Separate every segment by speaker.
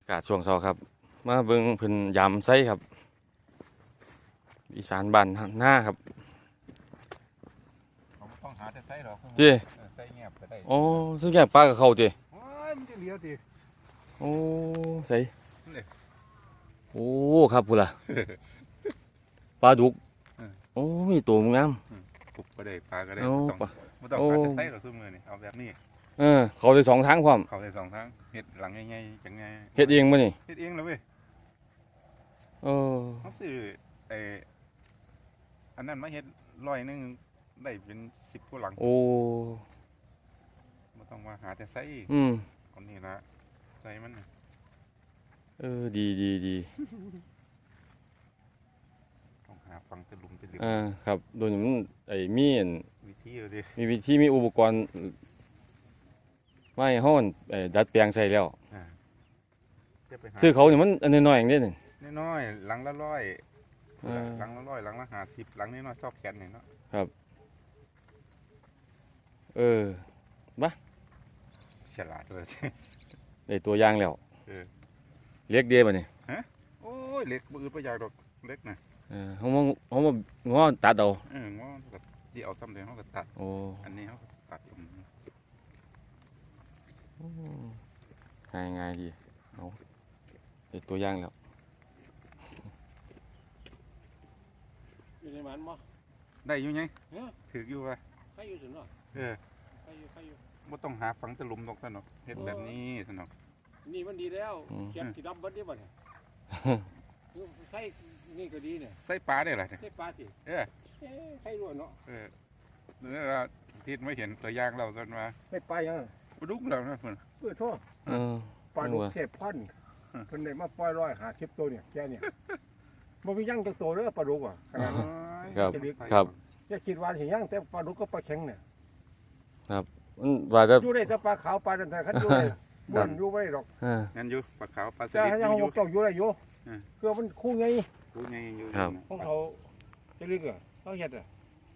Speaker 1: กาศช่วงเช้าครับมาเบิ่งเพิ่นยำไส้ครับอีสานบ้านหน้าครับ
Speaker 2: เขาต้องหาแต่ไส้หรอ
Speaker 1: เจ้
Speaker 2: ไส้เงียบก็ได้
Speaker 1: อ๋อซึ่งแก่ปลากับเขาเจ้
Speaker 2: โอ้ยมันจะเลี้ยวดิ
Speaker 1: โอ้ใส่โอ้ครับพูดล่ะปลาดุกโอ้มีตัวงาม
Speaker 2: ปุบก็ได้ปลาก็ได้
Speaker 1: ไม่
Speaker 2: ต้องหาแต่ไส้หรอกทุกมือนี่เอาแบบนี้
Speaker 1: เขาได้2 ทางพร้อม
Speaker 2: เขาได้2 ทางเห็ดหลังง่ายๆจังไง
Speaker 1: เฮ็ดเองบ่นี่
Speaker 2: เฮ็ดเองเลยเว้ยเขาซื้ออันนั้นมาเฮ็ด100ได้เป็น10 กว่าหลัง
Speaker 1: โอ้
Speaker 2: ไม่ต้องมาหาแต่ไส้เอานี่ละไส้มัน
Speaker 1: ดี
Speaker 2: ต้องหาฟังตะลุมตะลืม
Speaker 1: ครับโดยมันมี
Speaker 2: วิธีเลยดิ
Speaker 1: มีวิธีมีอุปกรณ์ไม่ห้อนดัดแปลงใส่แล้วคือเขาเนี่ยมันอันน้อยๆอย่างนี้นี่
Speaker 2: น้อยหลังละ100หลังละ100หลังละ50หลังน้อยๆชอบแกนนี่เนาะ
Speaker 1: ครับบ้า
Speaker 2: ฉลาดเลย
Speaker 1: ได้ตัวอย่างแล้วเล็กเดียบนี่
Speaker 2: ฮะโอ้ยเล็กมือประหยัดดอกเล็กนะ
Speaker 1: เขามาง้อตัดเอา
Speaker 2: ง้อแบบที่เอาซ้ำเดียวเขาก็ตัดอันนี้เขาตัด
Speaker 1: ง่ายดีเอาได้ตัวอย่างแล้ว
Speaker 3: อยู่ในมันมั้ง
Speaker 2: ได้อยู่ไงถืออยู่ไป
Speaker 3: ใครอยู่ถึงเนาะใครอยู่
Speaker 2: ไม่ต้องหาฝังตะลุมตรงสนุกเห็ดแบบนี้สนุก
Speaker 3: นี่มันดีแล้วเขียนสีดำบัดนี้บ่เนี่ยใส่นี่ก็ดีเนี่ย
Speaker 2: ใส่ปลาได้หรอ
Speaker 3: ใส่ปลาสิใครรู้เนาะ
Speaker 2: นี่เราที่ไม่เห็นตัวอย่างเราจนมา
Speaker 3: ใส่ปลายัง
Speaker 2: ปลาดุกเรานะเพื่อน
Speaker 3: โทษปลาดุกเทพพันเพิ่นได้มาปล่อย150 ตัวเนี่ยแค่เนี่ยมันมีย่างจักตัวเด้อปลาดุกอ่ะขนาดนั้น
Speaker 1: ครับ
Speaker 3: อย่าคิดว่าเห็นย่างแต่ปลาดุกก็ปลาแข็งเนี่ย
Speaker 1: ครับว่าจะ
Speaker 3: อยู่ได้แต่ปลาขาวปลาดันแต่คันอยู่ได้บ่นอยู่ไว้หรอก
Speaker 2: งั้นอยู่ปลาขาวปลาส
Speaker 3: ลิดอยู่เจ้าอยู่ได้อยู่คือมันคู่ไง
Speaker 2: อยู่
Speaker 3: ของเขาจะลึกอ่ะเขาเฮ็ดอ่ะ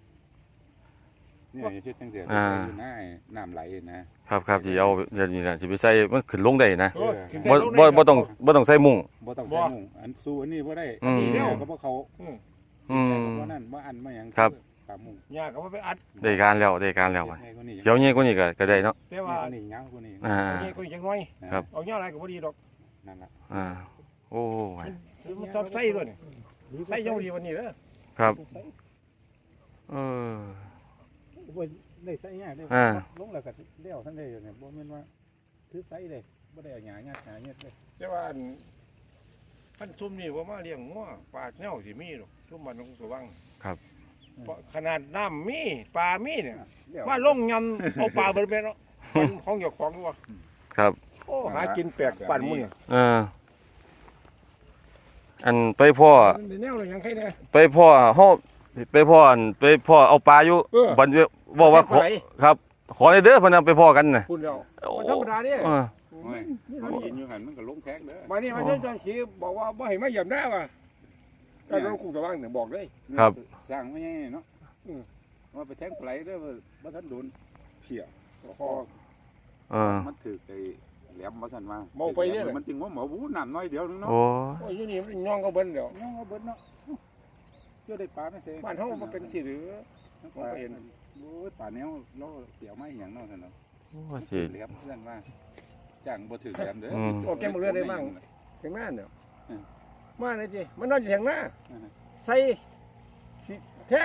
Speaker 2: นี่เฮ็ดตั้งแต่อยู่หน้าน้ำไหล
Speaker 1: นะครับที่เอาอย่างนี้นะสิไปใส่มันขึ้นลงได้นะบ่ต้องใส่มุ้ง
Speaker 2: อันสู้อันนี้บ่ได้ก็บ่เขาบ่นั่นบ่อันบ่หยัง
Speaker 1: ครับ
Speaker 2: ปลามุ้ง
Speaker 3: ยาก็บ่ไปอัด
Speaker 1: ได้การแล้วเขียวเงี้ยกว่านี้ก็ได้เนาะ
Speaker 3: แต่ว่า
Speaker 2: นี่ยาวกว่านี้
Speaker 3: เงี้ยกว่านี้จังน้อยเอาเงี้ยอะไรก็บ่ดีดอก
Speaker 2: นั่นล่ะ
Speaker 1: โอ้
Speaker 3: ยมันชอบใส่ด้วยนี่ใส่ยังดีวันนี้เด้อ
Speaker 1: ครับ
Speaker 2: ได้ใส่ง่ายได้ลงแล้วก็เลี้ยวท่านได้อยู่เนี่ยบ่แม่นว่าถือใส่ได้บ่ได้หยาเงี้ยเลย
Speaker 3: แต่ว่าท่านซุ่มนี่ว่ามาเลี้ยงงัวปลาแนวสิมีหรอกซุ่มมันต้องสว่าง
Speaker 1: ครับ
Speaker 3: ขนาดน้ำมีปลามีเนี่ยว่าลงยำเอาปลาเบิ่งเนาะของเจ้าของด้วย
Speaker 1: ครับ
Speaker 3: โอ้หากินแปลกปั่นมื้อ
Speaker 1: อันไปพ่อ
Speaker 3: แนวยังใครแน่
Speaker 1: ไปพ่อเฮาไปพ่อเอาปลาอยู่บัดบอกว่าครับขอเด้อเพิ่นไปพ่อกันน่ะ
Speaker 3: พูดแล้วธรรมดานี่
Speaker 2: เขาเห็นอยู่หั่นมันก็ลงแท็กเด้อ
Speaker 3: มานี่มาจนขี่บอกว่าบ่ให้มาเหยียบได้ว่ะก็ต้องคุกสว่างเนี่ยบอกเลย
Speaker 1: ครับ
Speaker 2: สร้างไว้ไงเนาะว่าไปแทงปลาเด้อบ่ทันโดนเพี้ยคอมันถือไอ้แหลมบ่ทันมา
Speaker 3: เมาไปเนี่ย
Speaker 2: มันจึงว่าหมอบูน้ำน้อยเดียวนึงเนาะ
Speaker 1: โอ้
Speaker 3: ยอยู่นี่มันย่องก็เบิ้ลเดี๋ยว
Speaker 2: ย่องก็เบิ้ลเนาะเจ้าได้ปลาไม่เสีย
Speaker 3: บ้านเฮามันเป็นสิหรือ
Speaker 2: ผมก็เห็นโอ้ยปลาแนวเราเกี่ยวไม้อย่างนั้นเนาะ
Speaker 1: สิ
Speaker 2: เหลี่ยมเพื่อนว่าจ้างบ่ถือแหลมเด้อ
Speaker 3: โอ้แกมเรือได้บ้างแข่งหน้าเดี๋ยวมาเลยจีมันนอนอยู่แข่งหน้าใส่แท่ง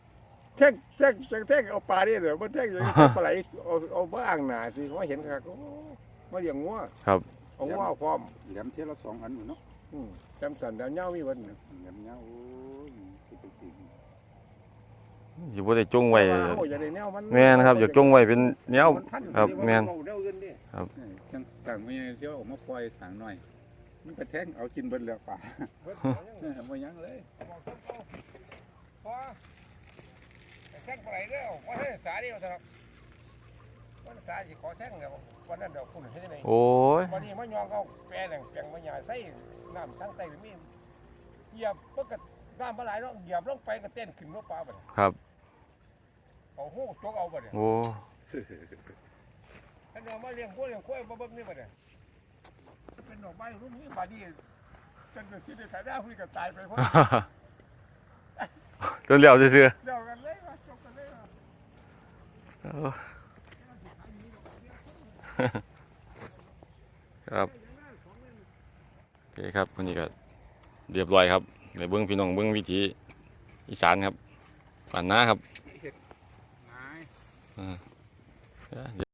Speaker 3: เอาปลาเนี่ยเดี๋ยวมันแท่งอย่างปลาไหลเอาบ้างหนาสิว่าเห็นครับมาเลี้ยงงัว
Speaker 1: ครับ
Speaker 3: เอางัวพร้อม
Speaker 2: แหลมเท่าละ2 อันอยู่เนาะ
Speaker 3: จำสันเดี๋ยวเงามีวัน
Speaker 2: แหลมเงาโอ้ย
Speaker 1: อยู่บ่ได้จงไว้
Speaker 3: แ
Speaker 1: ม่นครับอยากจงไว้เป็นแนวครับแม่น
Speaker 2: ครับสั่งไม่เที่ยวออกมาปล่อยสั่งหน่อยมันกระแทงเอากินเบิ้ลแล้วป่าไม่ยั้งเลย
Speaker 3: แท่งปลาไหลเด้อว่าให้สาเดียวเถอะวันสาสิขอแท่งเดี๋ยววันนั้นเดี๋ยวคุณเห็นไหม
Speaker 1: โอ้ย
Speaker 3: วันนี้มันยองเขาแปรแหล่งแปลงมันใหญ่ใส่น้ำทั้งใต้มีเหยียบเพื่อน้ำปลาไหลเนาะเหยียบลงไปก็เต้นขึ้นรถปลาไป
Speaker 1: ครับ
Speaker 3: เอาหูจกเอาไปเลย
Speaker 1: โอ้
Speaker 3: ท่านเอามาเลี้ยงกล้วยบ่เบิ่งนี่ไปเลยเป็นดอกไม้รุ่นนี้บาดนี้จังจะคิดได้ขายได้พี่ก็ตายไปเพราะ
Speaker 1: จนเหลียวซื่อ
Speaker 3: เดียวกันเลยว่าจบกันเลยว่า
Speaker 1: ๆครับโอเคครับวันนี้ก็เรียบร้อยครับในเบื้องพี่น้องเบื้องวิถีอีสานครับป่านน้าครับ
Speaker 2: นาย
Speaker 1: อ่า